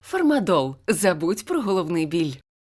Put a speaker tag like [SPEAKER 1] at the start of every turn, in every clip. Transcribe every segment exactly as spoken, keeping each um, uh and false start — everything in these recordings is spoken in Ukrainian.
[SPEAKER 1] Фармадол. Забудь про головний біль.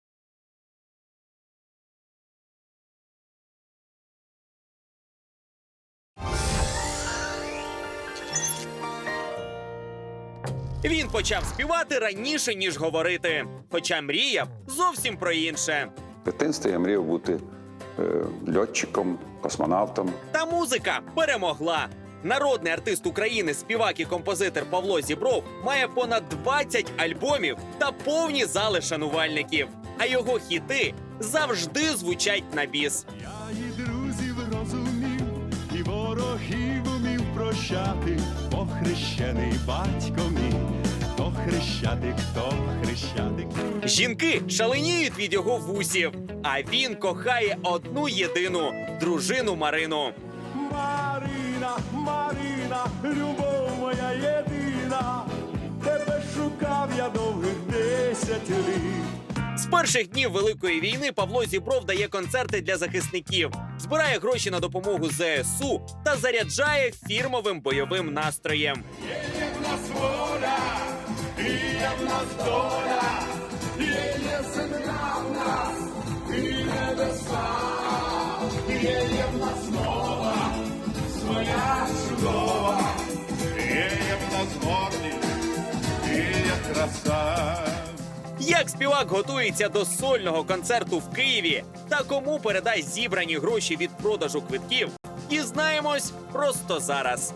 [SPEAKER 2] Він почав співати раніше, ніж говорити. Хоча мріяв зовсім про інше.
[SPEAKER 3] В дитинстві я мріяв бути е, льотчиком, космонавтом.
[SPEAKER 2] Та музика перемогла. Народний артист України, співак і композитор Павло Зібров має понад двадцять альбомів та повні зали шанувальників. А його хіти завжди звучать на біс.
[SPEAKER 4] Я і друзів розумів, і ворогів умів прощати, бо хрещений батько мій, то хрещатик, то хрещатик.
[SPEAKER 2] Жінки шаленіють від його вусів, а він кохає одну єдину дружину Марину.
[SPEAKER 4] Марина, Марина, любов моя єдина, тебе шукав я довгих десять літ.
[SPEAKER 2] З перших днів Великої війни Павло Зібров дає концерти для захисників, збирає гроші на допомогу зе ес у та заряджає фірмовим бойовим настроєм.
[SPEAKER 4] Є в нас воля, і є в нас доля, є, є земля в нас, і небеса, є, є в нас мова, своя чудова, є, є в нас гордість, і є краса.
[SPEAKER 2] Як співак готується до сольного концерту в Києві та кому передасть зібрані гроші від продажу квитків, дізнаємось просто зараз.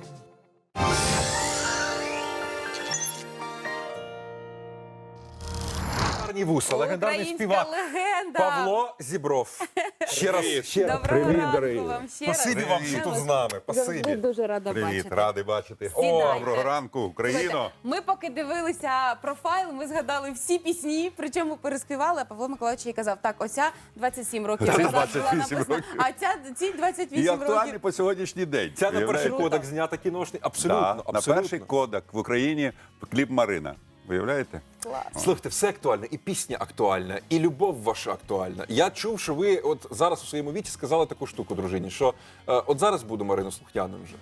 [SPEAKER 5] Гарні вуса, легендарний
[SPEAKER 6] Українська
[SPEAKER 5] співак
[SPEAKER 6] легенда.
[SPEAKER 5] Павло Зібров. Ще раз, ще раз.
[SPEAKER 6] Доброго
[SPEAKER 5] Привіт,
[SPEAKER 6] ранку
[SPEAKER 5] дорогі.
[SPEAKER 6] вам ще раз.
[SPEAKER 5] Спасибі вам, що тут з нами.
[SPEAKER 6] Завжди
[SPEAKER 5] Спасибі.
[SPEAKER 6] дуже рада
[SPEAKER 7] Привіт,
[SPEAKER 6] бачити.
[SPEAKER 7] радий бачити.
[SPEAKER 6] Сідайте.
[SPEAKER 7] Доброго ранку, Україно.
[SPEAKER 6] Слухайте, ми поки дивилися профайл, ми згадали всі пісні, причому переспівали, а Павло Миколаївич їй казав, так, оця двадцять сім років
[SPEAKER 7] Ця
[SPEAKER 6] назад була
[SPEAKER 7] двадцять вісім
[SPEAKER 6] написана,
[SPEAKER 7] років.
[SPEAKER 6] а ця, ці двадцять
[SPEAKER 7] І
[SPEAKER 6] вісім
[SPEAKER 7] актуальний
[SPEAKER 6] років.
[SPEAKER 7] по сьогоднішній день.
[SPEAKER 5] Ця на перший
[SPEAKER 7] Уявляєте?
[SPEAKER 5] кодек знята кіношний. Абсолютно,
[SPEAKER 7] Да,
[SPEAKER 5] абсолютно.
[SPEAKER 7] на перший кодек в Україні кліп Марина. Виявляєте?
[SPEAKER 5] Слухайте, все актуальне, і пісня актуальна, і любов ваша актуальна. Я чув, що ви от зараз у своєму віці сказали таку штуку, дружині, що е, от зараз буду Марину слухняним вже.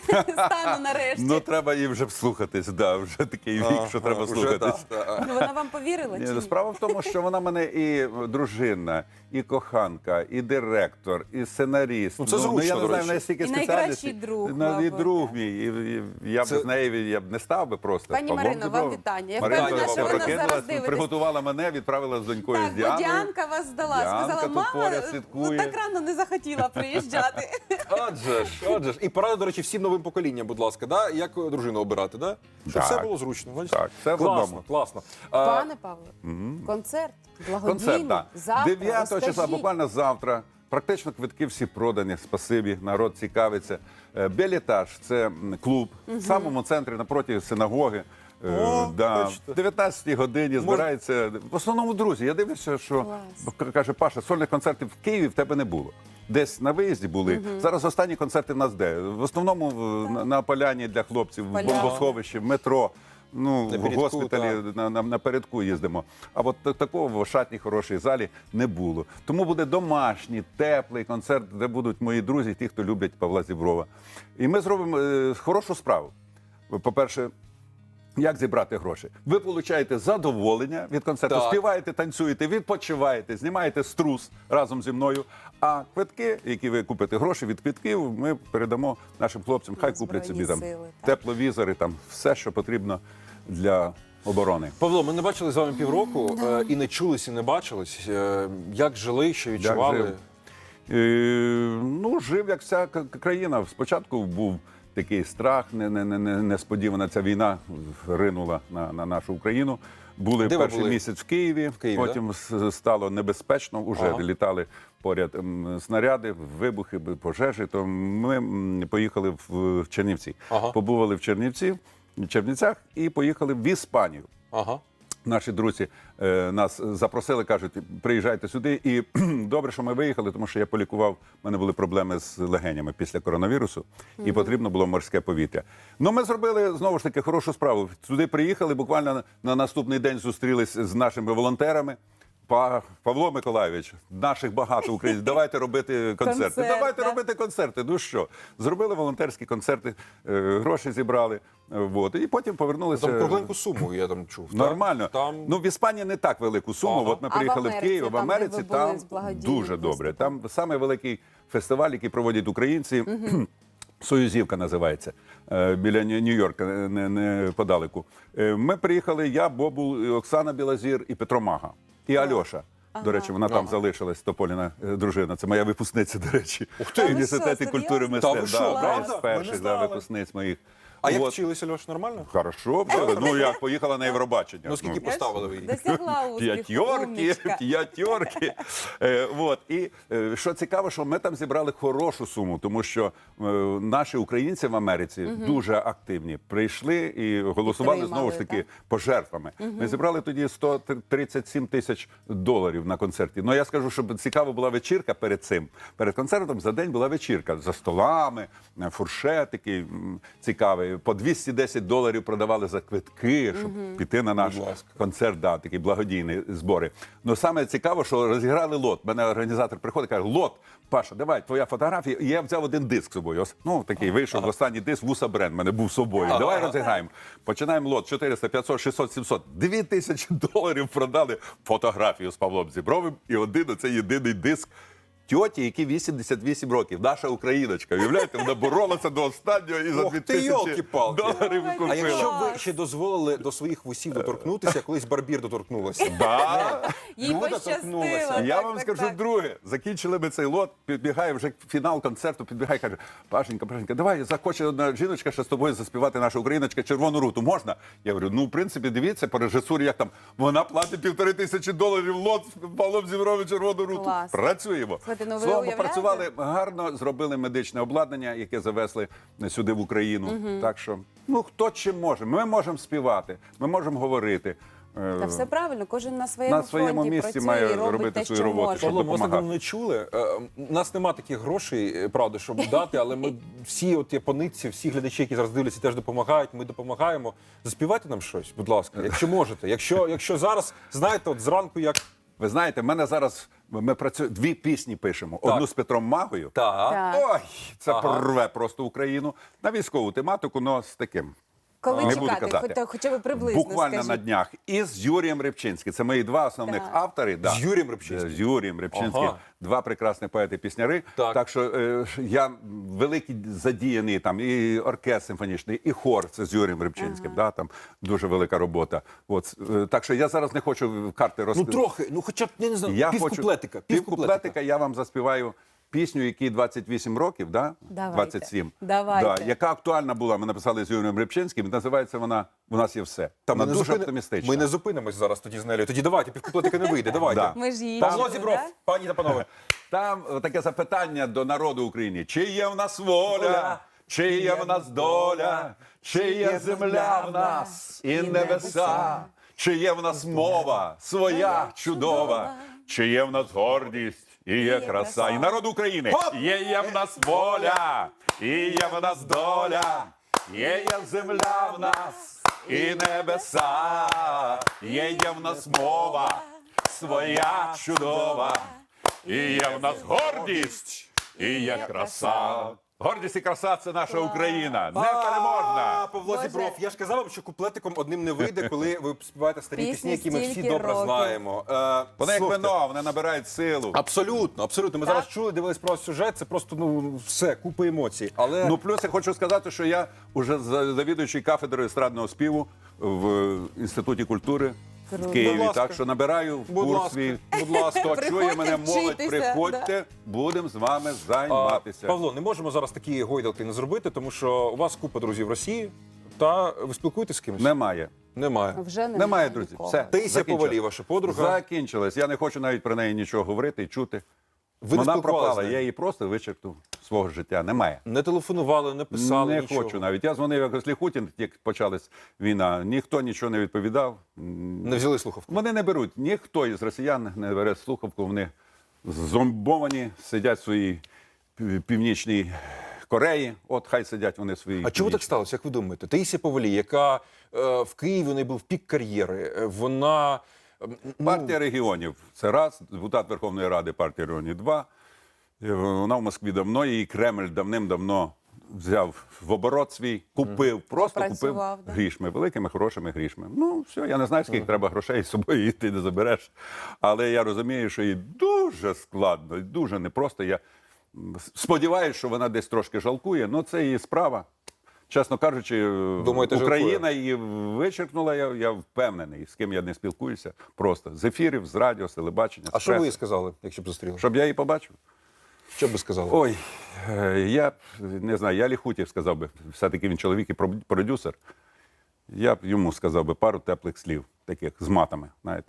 [SPEAKER 6] Стану нарешті.
[SPEAKER 7] Ну, треба їй вже вслухатись, да, вже такий вік, що треба
[SPEAKER 5] Вже,
[SPEAKER 7] слухатись.
[SPEAKER 5] да, да.
[SPEAKER 6] Ну, вона вам повірила чи
[SPEAKER 7] Ні,
[SPEAKER 6] ні?
[SPEAKER 7] справа в тому, що вона мене і дружина, і коханка, і директор, і сценаріст.
[SPEAKER 5] Ну, це зручно,
[SPEAKER 7] я не
[SPEAKER 5] до
[SPEAKER 7] знаю,
[SPEAKER 5] речі.
[SPEAKER 7] в неї стільки
[SPEAKER 6] І
[SPEAKER 7] спеціальностей.
[SPEAKER 6] найкращий друг,
[SPEAKER 7] Ну, і
[SPEAKER 6] мабуть,
[SPEAKER 7] друг
[SPEAKER 6] так.
[SPEAKER 7] мій. І, і я
[SPEAKER 5] Це-
[SPEAKER 7] б з нею я б не став би просто.
[SPEAKER 6] Пані
[SPEAKER 7] Павлом
[SPEAKER 6] Марино, вам
[SPEAKER 7] Зібровим.
[SPEAKER 6] вітання. Я
[SPEAKER 7] Марина
[SPEAKER 5] впевнена, що
[SPEAKER 7] Зіброва
[SPEAKER 5] ви нас
[SPEAKER 6] зараз
[SPEAKER 7] прокинулась,
[SPEAKER 6] дивитесь.
[SPEAKER 7] приготувала мене, відправила з донькою
[SPEAKER 6] Так,
[SPEAKER 7] з
[SPEAKER 6] бо
[SPEAKER 7] Діаною.
[SPEAKER 6] Діанка вас здала,
[SPEAKER 7] Діанка
[SPEAKER 6] сказала,
[SPEAKER 7] тут
[SPEAKER 6] мама,
[SPEAKER 7] поряд
[SPEAKER 6] ну
[SPEAKER 7] слідкує.
[SPEAKER 6] так рано не захотіла приїжджати.
[SPEAKER 5] Отже ж, отже ж. І порада, до речі, всім новим поколінням, будь ласка, да? Як дружину обирати, да? Щоб
[SPEAKER 7] Так.
[SPEAKER 5] все було зручно. Бачите?
[SPEAKER 7] Так, все в
[SPEAKER 5] класно,
[SPEAKER 7] одному.
[SPEAKER 5] класно. А,
[SPEAKER 6] Пане Павло, концерт благодійний,
[SPEAKER 7] Концерт, так.
[SPEAKER 6] завтра,
[SPEAKER 7] дев'ятого числа,
[SPEAKER 6] розкажіть.
[SPEAKER 7] буквально завтра. Практично квитки всі продані, спасибі, народ цікавиться. Е, Белітаж – це м, клуб в самому центрі, напроти синагоги. Е,
[SPEAKER 5] О,
[SPEAKER 7] да.
[SPEAKER 5] бачите.
[SPEAKER 7] В дев'ятнадцятій годині збирається, в основному друзі. Я дивлюся, що, к- каже Паша, сольних концертів в Києві в тебе не було. Десь на виїзді були. Зараз останні концерти в нас де? В основному в- на, на поляні для хлопців, в
[SPEAKER 6] Поляна.
[SPEAKER 7] бомбосховищі, в метро. Ну,
[SPEAKER 5] На
[SPEAKER 7] в
[SPEAKER 5] передку,
[SPEAKER 7] госпіталі на, на, на передку їздимо. А от та- такого в шатній хорошій залі не було. Тому буде домашній, теплий концерт, де будуть мої друзі, ті, хто люблять Павла Зіброва. І ми зробимо е, хорошу справу. По-перше, як зібрати гроші? Ви отримуєте задоволення від концерту,
[SPEAKER 5] Так.
[SPEAKER 7] співаєте, танцюєте, відпочиваєте, знімаєте струс разом зі мною. А квитки, які ви купите гроші від квитків, ми передамо нашим хлопцям. Хай
[SPEAKER 6] На
[SPEAKER 7] куплять собі
[SPEAKER 6] Збройні
[SPEAKER 7] там
[SPEAKER 6] Сили, так.
[SPEAKER 7] тепловізори, там все, що потрібно для оборони.
[SPEAKER 5] Павло, ми не бачили з вами півроку е, і не чулись, і не бачились. Е, Як жили, що відчували?
[SPEAKER 7] жив? Е, ну, жив, як вся к- країна. Спочатку був такий страх, не, не, не, не- несподівана ця війна ринула на, на нашу Україну. Були
[SPEAKER 5] Де ви
[SPEAKER 7] перший
[SPEAKER 5] були?
[SPEAKER 7] місяць в Києві,
[SPEAKER 5] Києві,
[SPEAKER 7] потім с- стало небезпечно, вже
[SPEAKER 5] Ага.
[SPEAKER 7] літали поряд м, снаряди, вибухи, пожежі. То ми м, поїхали в, в Чернівці.
[SPEAKER 5] Ага.
[SPEAKER 7] Побували в Чернівці, в Чернівцях і поїхали в Іспанію.
[SPEAKER 5] Ага.
[SPEAKER 7] Наші друзі е, нас запросили, кажуть, приїжджайте сюди. І добре, що ми виїхали, тому що я полікував, в мене були проблеми з легенями після коронавірусу, і потрібно було морське повітря. Ну, ми зробили, знову ж таки, хорошу справу. Сюди приїхали, буквально на, на наступний день зустрілись з нашими волонтерами, Па- Павло Миколайович, наших багато українців, давайте робити концерти.
[SPEAKER 6] Концерт,
[SPEAKER 7] давайте
[SPEAKER 6] да.
[SPEAKER 7] робити концерти. Ну що, зробили волонтерські концерти, е, гроші зібрали, е, вот, і потім повернулися.
[SPEAKER 5] Там кругленьку суму, я там чув. так?
[SPEAKER 7] Нормально.
[SPEAKER 5] Там...
[SPEAKER 7] Ну, в Іспанії не так велику суму.
[SPEAKER 5] Ага.
[SPEAKER 7] От ми
[SPEAKER 6] А в
[SPEAKER 7] приїхали в,
[SPEAKER 6] Америці,
[SPEAKER 7] Київ, в
[SPEAKER 6] там, де
[SPEAKER 7] Америці
[SPEAKER 6] ви були
[SPEAKER 7] там
[SPEAKER 6] з благодійним
[SPEAKER 7] дуже добре.
[SPEAKER 6] виступом?
[SPEAKER 7] Там саме великий фестиваль, який проводять українці. Союзівка називається, е, біля Нью- Нью-Йорка, не, не подалеку. Е, Ми приїхали, я, Бобул, Оксана Білозір і Петро Мага. І Альоша. До речі, вона там залишилась, Тополіна е, дружина. Це моя випускниця, до речі. Ух
[SPEAKER 6] ти!
[SPEAKER 7] В
[SPEAKER 6] Та ви
[SPEAKER 7] університеті
[SPEAKER 6] що,
[SPEAKER 7] культури
[SPEAKER 6] серйозно?
[SPEAKER 5] Та ви
[SPEAKER 7] мистецтв.
[SPEAKER 5] що,
[SPEAKER 7] Да,
[SPEAKER 5] правда?
[SPEAKER 7] одна з
[SPEAKER 5] Ми не
[SPEAKER 7] перших да,
[SPEAKER 5] знали.
[SPEAKER 7] випускниць моїх.
[SPEAKER 5] А як
[SPEAKER 7] От.
[SPEAKER 5] вчилися, Льош, нормально?
[SPEAKER 7] Хорошо, вчили. Ну як, поїхала на Євробачення.
[SPEAKER 5] Ну, скільки поставили ви її?
[SPEAKER 6] Досягла успіху.
[SPEAKER 7] П'ятьорки,
[SPEAKER 6] умничка.
[SPEAKER 7] п'ятьорки. Е, вот. І е, що цікаво, що ми там зібрали хорошу суму, тому що е, наші українці в Америці дуже активні. Прийшли і голосували
[SPEAKER 6] Підтримали,
[SPEAKER 7] знову ж таки
[SPEAKER 6] так?
[SPEAKER 7] пожертвами. Ми зібрали тоді сто тридцять сім тисяч доларів на концерті. Ну я скажу, щоб цікава була вечірка перед цим. Перед концертом за день була вечірка за столами, е, фуршетики м, цікаві. По двісті десять доларів продавали за квитки, щоб піти на наш
[SPEAKER 5] Будь ласка.
[SPEAKER 7] концерт, да, такі благодійні збори. Ну саме цікаво, що розіграли лот. Мене організатор приходить, каже: лот, Паша, давай, твоя фотографія. І я взяв один диск з собою. Ось, ну такий вийшов останній диск, Вуса Бренд, мене був з собою. Давай розіграємо. Починаємо лот чотириста, п'ятсот, шістсот, сімсот. Дві тисячі доларів продали фотографію з Павлом Зібровим і один оцей єдиний диск. Тьоті, які вісімдесят вісім років, наша україночка. Уявляєте, вона боролася до останнього і за
[SPEAKER 5] Ох
[SPEAKER 7] дві
[SPEAKER 5] ти,
[SPEAKER 7] тисячі
[SPEAKER 5] йолки-палки.
[SPEAKER 7] доларів
[SPEAKER 6] Ой,
[SPEAKER 7] купила.
[SPEAKER 5] А якщо
[SPEAKER 6] Клас.
[SPEAKER 5] ви ще дозволили до своїх вусів доторкнутися, колись Барбір доторкнулася.
[SPEAKER 7] Да.
[SPEAKER 6] Їй
[SPEAKER 5] Люда
[SPEAKER 6] пощастило.
[SPEAKER 5] торкнулася.
[SPEAKER 7] Я
[SPEAKER 6] так,
[SPEAKER 7] вам
[SPEAKER 6] так,
[SPEAKER 7] скажу
[SPEAKER 6] так.
[SPEAKER 7] друге. Закінчили ми цей лот, підбігає вже фінал концерту, підбігає, каже: Пашенька, Пашенька, давай, захоче одна жіночка ще з тобою заспівати наша україночка «Червону руту». Можна? Я говорю, ну, в принципі, дивіться, по режисурі, як там, вона платить півтори тисячі доларів лот з Павлом Зібровим «Червону руту».
[SPEAKER 6] Клас.
[SPEAKER 7] Працюємо.
[SPEAKER 6] Слухайте, ну ви
[SPEAKER 7] Словом,
[SPEAKER 6] уявляєте?
[SPEAKER 7] попрацювали гарно, зробили медичне обладнання, яке завезли сюди в Україну. Так що, ну, хто чим може. Ми можемо співати, ми можемо говорити. Е,
[SPEAKER 6] Та все правильно, кожен на своєму,
[SPEAKER 7] На своєму
[SPEAKER 6] фронті
[SPEAKER 7] місці
[SPEAKER 6] працює
[SPEAKER 7] має
[SPEAKER 6] і робить
[SPEAKER 7] робити
[SPEAKER 6] те,
[SPEAKER 7] свою
[SPEAKER 6] що
[SPEAKER 7] роботу,
[SPEAKER 6] може.
[SPEAKER 7] щоб
[SPEAKER 5] Павло, ми вас
[SPEAKER 7] допомагати.
[SPEAKER 5] давно не чули. Е, У нас нема таких грошей, е, правда, щоб дати, але ми всі от японці, всі глядачі, які зараз дивляться, теж допомагають. Ми допомагаємо. Заспівайте нам щось, будь ласка, якщо можете. Якщо, якщо зараз, знаєте, от зранку як.
[SPEAKER 7] Ви знаєте, в мене зараз ми працюємо, дві пісні пишемо.
[SPEAKER 5] Так.
[SPEAKER 7] Одну з Петром Магою.
[SPEAKER 5] Так.
[SPEAKER 6] Так.
[SPEAKER 7] Ой, це
[SPEAKER 5] Ага.
[SPEAKER 7] прорве просто Україну на військову тематику, але з таким.
[SPEAKER 6] Коли
[SPEAKER 7] Не буду
[SPEAKER 6] чекати,
[SPEAKER 7] казати.
[SPEAKER 6] хоч, хоча б приблизно
[SPEAKER 7] Буквально
[SPEAKER 6] скажіть.
[SPEAKER 7] на днях. І з Юрієм Рибчинським. Це мої два основних
[SPEAKER 6] Так.
[SPEAKER 7] автори. Да.
[SPEAKER 5] З Юрієм Рибчинським?
[SPEAKER 7] З Юрієм Рибчинським.
[SPEAKER 5] Ага.
[SPEAKER 7] Два прекрасні поети-пісняри.
[SPEAKER 5] Так.
[SPEAKER 7] Так що е, я великий задіяний, там і оркестр симфонічний, і хор. Це з Юрієм Рибчинським. Да, там дуже велика робота. От, е, так що я зараз не хочу карти
[SPEAKER 5] Ну
[SPEAKER 7] розкривати.
[SPEAKER 5] трохи, ну хоча б, я не знаю,
[SPEAKER 7] Я
[SPEAKER 5] півкуплетика.
[SPEAKER 7] хочу півкуплетика я вам заспіваю пісню, якій двадцять вісім років, да?
[SPEAKER 6] Давайте.
[SPEAKER 7] двадцять сім.
[SPEAKER 6] Давайте.
[SPEAKER 7] Да, яка актуальна була. Ми написали з Юрієм Рибчинським. Називається вона «У нас є все».
[SPEAKER 5] Та ми
[SPEAKER 7] Вона
[SPEAKER 5] не
[SPEAKER 7] дуже
[SPEAKER 5] зупини-
[SPEAKER 7] оптимістична.
[SPEAKER 5] Ми не зупинимось зараз тоді з Нелею. Тоді давайте, півкуплетика не вийде. Давайте.
[SPEAKER 7] Да.
[SPEAKER 6] Ми ж її
[SPEAKER 5] Павло
[SPEAKER 6] чули,
[SPEAKER 5] Зібров,
[SPEAKER 6] да?
[SPEAKER 5] пані та панове.
[SPEAKER 7] Там е, таке запитання до народу України. Чи є в нас воля, чи є в нас доля, чи є земля в нас і небеса, чи є в нас мова своя чудова, чи є в нас гордість і є краса. І народ України. Є є в нас воля, і є в нас доля, є є земля в нас і небеса, є є в нас мова своя чудова. І є в нас гордість, і є краса. Гордість і краса – це наша Україна. Непереможна.
[SPEAKER 5] А, Павло
[SPEAKER 6] Боже.
[SPEAKER 5] Зібров, я ж казав вам, що куплетиком одним не вийде, коли ви співаєте старі
[SPEAKER 6] Пісні
[SPEAKER 5] пісні, які ми всі
[SPEAKER 6] стільки
[SPEAKER 5] добре
[SPEAKER 6] років.
[SPEAKER 5] знаємо. Е,
[SPEAKER 7] Вони як
[SPEAKER 5] слухайте,
[SPEAKER 7] вино, вони набирають силу.
[SPEAKER 5] Абсолютно, абсолютно. Ми
[SPEAKER 6] Так.
[SPEAKER 5] зараз чули, дивились про сюжет, це просто ну все, купа емоцій. Але
[SPEAKER 7] Ну, плюс я хочу сказати, що я вже за- завідуючий кафедрою естрадного співу в Інституті культури
[SPEAKER 6] Круто.
[SPEAKER 7] в Києві.
[SPEAKER 5] Будь ласка.
[SPEAKER 7] Так що набираю
[SPEAKER 5] Будь
[SPEAKER 7] курс
[SPEAKER 5] ласка,
[SPEAKER 7] свій.
[SPEAKER 5] будь ласка.
[SPEAKER 7] Хто чує мене,
[SPEAKER 6] Приходьте
[SPEAKER 7] молодь,
[SPEAKER 6] вчитися,
[SPEAKER 7] приходьте, будемо з вами
[SPEAKER 5] А,
[SPEAKER 7] займатися.
[SPEAKER 5] Павло, не можемо зараз такі гойдалки не зробити, тому що у вас купа друзів в Росії, та ви спілкуєтесь з кимось?
[SPEAKER 7] Немає.
[SPEAKER 5] Немає.
[SPEAKER 6] Вже немає,
[SPEAKER 7] Немає, друзі.
[SPEAKER 6] нікого.
[SPEAKER 7] Все.
[SPEAKER 5] Таїсія
[SPEAKER 7] закінчилось.
[SPEAKER 5] Повалій, ваша подруга.
[SPEAKER 7] Закінчилось. Я не хочу навіть про неї нічого говорити і чути.
[SPEAKER 5] Ви не
[SPEAKER 7] Вона
[SPEAKER 5] спілкувалися з
[SPEAKER 7] пропала,
[SPEAKER 5] нею?
[SPEAKER 7] я її просто вичеркнув з свого життя. Немає.
[SPEAKER 5] Не телефонували, не писали
[SPEAKER 7] Не
[SPEAKER 5] нічого.
[SPEAKER 7] хочу навіть. Я дзвонив якось Ліхутін, як почалась війна. Ніхто нічого не відповідав.
[SPEAKER 5] Не взяли слухавку.
[SPEAKER 7] Вони не беруть. Ніхто із росіян не бере слухавку. Вони зомбовані, сидять в своїй пів- північній Кореї. От хай сидять вони в своїй.
[SPEAKER 5] А чому так
[SPEAKER 7] північній.
[SPEAKER 5] сталося, як ви думаєте? Таїсія Повалій, яка е, в Києві у неї був пік кар'єри, е, вона ну,
[SPEAKER 7] Партія регіонів це раз, депутат Верховної Ради партії регіонів два. Е, Вона в Москві давно, її Кремль давним-давно взяв в оборот свій, купив, просто купив
[SPEAKER 6] Запрацював, да.
[SPEAKER 7] грішми, великими, хорошими грішми. Ну, все, я не знаю, скільки треба грошей з собою її ти не забереш. Але я розумію, що їй дуже складно, і дуже непросто. Я сподіваюся, що вона десь трошки жалкує, але це її справа. Чесно кажучи,
[SPEAKER 5] Думаєте,
[SPEAKER 7] Україна
[SPEAKER 5] жалкує?
[SPEAKER 7] її вичеркнула, я, я впевнений, з ким я не спілкуюся. Просто з ефірів, з радіо, з телебачення,
[SPEAKER 5] А
[SPEAKER 7] з
[SPEAKER 5] що ви їй
[SPEAKER 7] преси.
[SPEAKER 5] сказали, якщо б зустріли?
[SPEAKER 7] Щоб я її побачив?
[SPEAKER 5] Що б ви сказали?
[SPEAKER 7] Ой, е, я б, не знаю, я Ліхутєв сказав би, все-таки він чоловік і про- продюсер. Я б йому сказав би пару теплих слів, таких з матами, знаєте.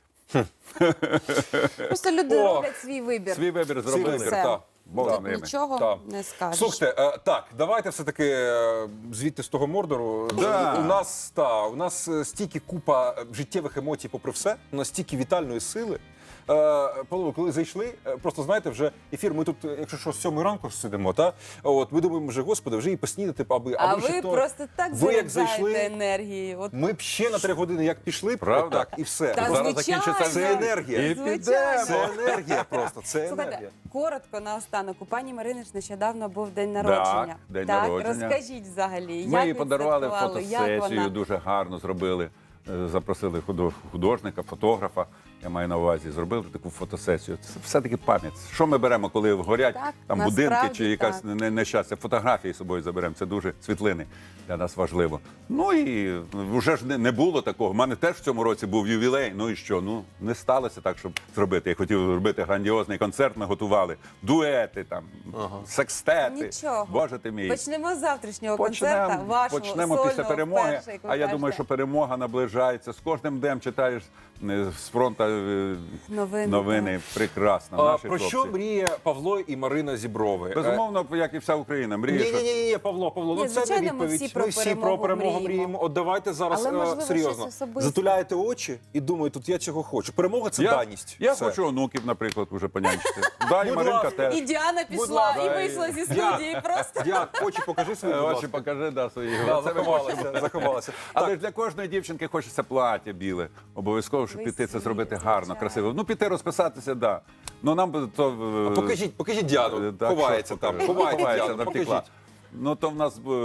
[SPEAKER 6] Просто люди
[SPEAKER 5] О,
[SPEAKER 6] роблять свій вибір.
[SPEAKER 7] Свій вибір
[SPEAKER 5] Свій
[SPEAKER 7] зробили.
[SPEAKER 5] вибір,
[SPEAKER 6] Все.
[SPEAKER 5] так.
[SPEAKER 7] Бог
[SPEAKER 6] Тут
[SPEAKER 7] з ними.
[SPEAKER 6] нічого
[SPEAKER 5] Так.
[SPEAKER 6] не скажеш.
[SPEAKER 5] Слухайте, е, так, давайте все-таки е, звідти з того Мордору.
[SPEAKER 7] Да.
[SPEAKER 5] У нас та, у нас е, стільки купа е, життєвих емоцій, попри все, у нас стільки вітальної сили. Е, Павло, коли зайшли, е, просто знаєте, вже ефір. Ми тут, е, якщо що, з сьомої ранку сидимо, та от ми думаємо, вже господи, вже і поснідати, аби
[SPEAKER 6] А
[SPEAKER 5] аби ще
[SPEAKER 6] ви
[SPEAKER 5] то.
[SPEAKER 6] просто так
[SPEAKER 5] ви як
[SPEAKER 6] заряджаєте
[SPEAKER 5] зайшли,
[SPEAKER 6] енергією. От
[SPEAKER 5] ми б ще на три години як пішли,
[SPEAKER 7] Правда?
[SPEAKER 5] так і все.
[SPEAKER 6] Та,
[SPEAKER 7] Зараз
[SPEAKER 6] звичайно.
[SPEAKER 7] закінчиться
[SPEAKER 5] Це енергія.
[SPEAKER 7] І
[SPEAKER 6] Звичайно.
[SPEAKER 7] підемо.
[SPEAKER 5] Це енергія просто, це
[SPEAKER 6] Слухайте,
[SPEAKER 5] енергія.
[SPEAKER 6] коротко наостанок. У пані Марини ж нещодавно був день народження.
[SPEAKER 7] день
[SPEAKER 6] так,
[SPEAKER 7] народження.
[SPEAKER 6] розкажіть взагалі, як
[SPEAKER 7] Ми їй подарували
[SPEAKER 6] відсвяткували, як
[SPEAKER 7] фотосесію,
[SPEAKER 6] вона?
[SPEAKER 7] дуже гарно зробили. Е, Запросили худо- художника, фотографа, я маю на увазі, зробили таку фотосесію. Це все-таки пам'ять. Що ми беремо, коли горять
[SPEAKER 6] Так,
[SPEAKER 7] там будинки
[SPEAKER 6] насправді
[SPEAKER 7] чи якась
[SPEAKER 6] так.
[SPEAKER 7] не- нещастя? Фотографії з собою заберемо. Це дуже світлини для нас важливо. Ну і вже ж не, не було такого. У мене теж в цьому році був ювілей. Ну і що? Ну не сталося так, щоб зробити. Я хотів зробити грандіозний концерт. Ми готували дуети, там секстети.
[SPEAKER 6] Нічого.
[SPEAKER 7] Боже ти мій.
[SPEAKER 6] Почнемо з завтрашнього концерта, вашого
[SPEAKER 7] почнемо
[SPEAKER 6] сольного,
[SPEAKER 7] після перемоги.
[SPEAKER 6] вперше, як ви
[SPEAKER 7] а я думаю,
[SPEAKER 6] кажете.
[SPEAKER 7] що перемога наближається. З кожним днем читаєш е, з фронту е,
[SPEAKER 6] Новини,
[SPEAKER 7] новини. Прекрасно.
[SPEAKER 5] А,
[SPEAKER 7] Наші
[SPEAKER 5] про
[SPEAKER 7] хлопці.
[SPEAKER 5] що мріє Павло і Марина Зіброви?
[SPEAKER 7] Безумовно, як і вся Україна, мріє,
[SPEAKER 5] Ні,
[SPEAKER 7] що
[SPEAKER 5] ні, ні, ні, Павло, Павло,
[SPEAKER 6] Ні,
[SPEAKER 5] ну це не
[SPEAKER 6] звичайно, ми
[SPEAKER 5] відповідь.
[SPEAKER 6] всі про
[SPEAKER 5] Ми всі про
[SPEAKER 6] перемогу
[SPEAKER 5] перемогу
[SPEAKER 6] мріємо.
[SPEAKER 5] мріємо. От давайте зараз
[SPEAKER 6] Але,
[SPEAKER 5] е,
[SPEAKER 6] можливо,
[SPEAKER 5] серйозно.
[SPEAKER 6] щось особисте.
[SPEAKER 5] Затуляєте очі і думаєте, тут я цього хочу. Перемога це
[SPEAKER 7] я,
[SPEAKER 5] даність.
[SPEAKER 7] я
[SPEAKER 5] Все.
[SPEAKER 7] хочу онуків, наприклад, уже понянчити. Да, і
[SPEAKER 5] Будь
[SPEAKER 7] Маринка
[SPEAKER 5] ласка.
[SPEAKER 7] теж.
[SPEAKER 6] І Діана
[SPEAKER 5] Будь
[SPEAKER 6] пішла,
[SPEAKER 5] ласка.
[SPEAKER 6] і вийшла зі студії просто.
[SPEAKER 5] Діан, очі покажи свої,
[SPEAKER 7] Е,
[SPEAKER 5] будь
[SPEAKER 7] Очі
[SPEAKER 5] ласка.
[SPEAKER 7] покажи, да, свої.
[SPEAKER 5] Да,
[SPEAKER 7] Це ми
[SPEAKER 5] заховалася, заховалася.
[SPEAKER 7] Але
[SPEAKER 5] Так,
[SPEAKER 7] ж для кожної дівчинки хочеться плаття біле. Обов'язково, щоб піти це
[SPEAKER 6] Весілля,
[SPEAKER 7] зробити гарно,
[SPEAKER 6] звичайно.
[SPEAKER 7] красиво. Ну, піти розписатися, да. Ну нам би то. е,
[SPEAKER 5] покажіть, покажіть Діану.
[SPEAKER 7] е, так,
[SPEAKER 5] Ховається
[SPEAKER 7] що
[SPEAKER 5] там.
[SPEAKER 7] покажу?
[SPEAKER 5] Ховається,
[SPEAKER 7] Ховається,
[SPEAKER 5] Діану,
[SPEAKER 7] там втекла.
[SPEAKER 5] покажіть.
[SPEAKER 7] Ну то в нас е,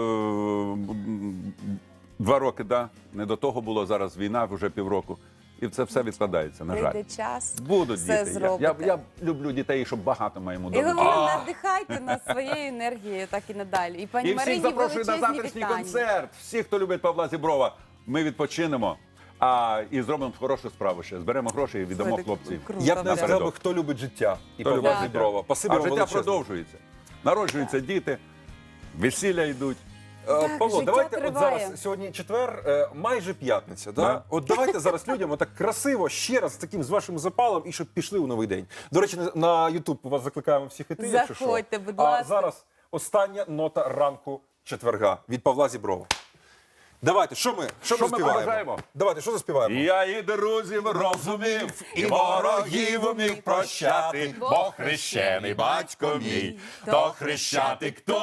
[SPEAKER 7] м, два роки, да. Не до того було зараз війна, вже півроку. І це все відкладається, на жаль.
[SPEAKER 6] Прийде час,
[SPEAKER 7] Будуть
[SPEAKER 6] все
[SPEAKER 7] діти. Я,
[SPEAKER 6] зробите.
[SPEAKER 7] я, я люблю дітей, щоб багато моєму
[SPEAKER 6] І
[SPEAKER 7] дому.
[SPEAKER 6] головне, надихайте нас своєю енергією, так і надалі. І пані
[SPEAKER 7] І всіх
[SPEAKER 6] Марині
[SPEAKER 7] запрошую на
[SPEAKER 6] величезні
[SPEAKER 7] завтрашній
[SPEAKER 6] вітання.
[SPEAKER 7] концерт. Всі, хто любить Павла Зіброва, ми відпочинемо. А і зробимо хорошу справу ще. Зберемо гроші і віддамо
[SPEAKER 6] Слухайте,
[SPEAKER 7] хлопців.
[SPEAKER 6] круто,
[SPEAKER 5] Я б не
[SPEAKER 6] правда.
[SPEAKER 5] сказав, би, хто любить життя. І
[SPEAKER 7] Хто
[SPEAKER 5] Павла
[SPEAKER 7] любить
[SPEAKER 5] Зіброва. Спасибі
[SPEAKER 7] А
[SPEAKER 5] вам
[SPEAKER 7] життя
[SPEAKER 5] величезне.
[SPEAKER 7] продовжується. Народжуються діти, весілля йдуть.
[SPEAKER 5] Е,
[SPEAKER 6] Так,
[SPEAKER 5] Павло,
[SPEAKER 6] життя
[SPEAKER 5] давайте от
[SPEAKER 6] триває.
[SPEAKER 5] зараз сьогодні четвер, е, майже п'ятниця. Да?
[SPEAKER 7] Да.
[SPEAKER 5] От давайте зараз людям отак красиво ще раз з таким з вашим запалом і щоб пішли у новий день. До речі, на- на Ютуб вас закликаємо всіх іти. якщо що.
[SPEAKER 6] Заходьте, будь
[SPEAKER 5] А
[SPEAKER 6] ласка.
[SPEAKER 5] зараз остання нота ранку четверга від Павла Зіброва. Давайте, що ми, що
[SPEAKER 7] Що
[SPEAKER 5] ми
[SPEAKER 7] ми
[SPEAKER 5] заспіваємо?
[SPEAKER 7] побажаємо?
[SPEAKER 5] Давайте, що заспіваємо?
[SPEAKER 7] Я і друзів розумів, і ворогів умів прощати, бо хрещений батько мій, то хрещатик, то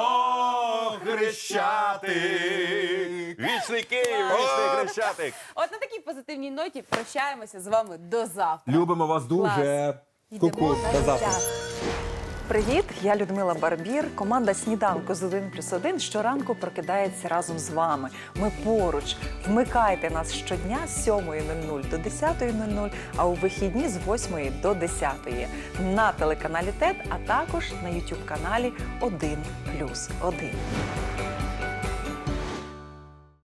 [SPEAKER 7] хрещатик. Вічний Київ, вічний хрещатик.
[SPEAKER 6] От на такій позитивній ноті прощаємося з вами до завтра.
[SPEAKER 5] Любимо вас дуже.
[SPEAKER 6] Йдемо
[SPEAKER 5] Ку-ку,
[SPEAKER 6] на
[SPEAKER 5] до завтра.
[SPEAKER 6] життя.
[SPEAKER 8] Привіт, я Людмила Барбір. Команда «Сніданку з один плюс один» щоранку прокидається разом з вами. Ми поруч. Вмикайте нас щодня з сьомої нуль нуль до десятої нуль нуль, а у вихідні з восьмої до десятої на телеканалі ТЕТ, а також на ютуб каналі один плюс один.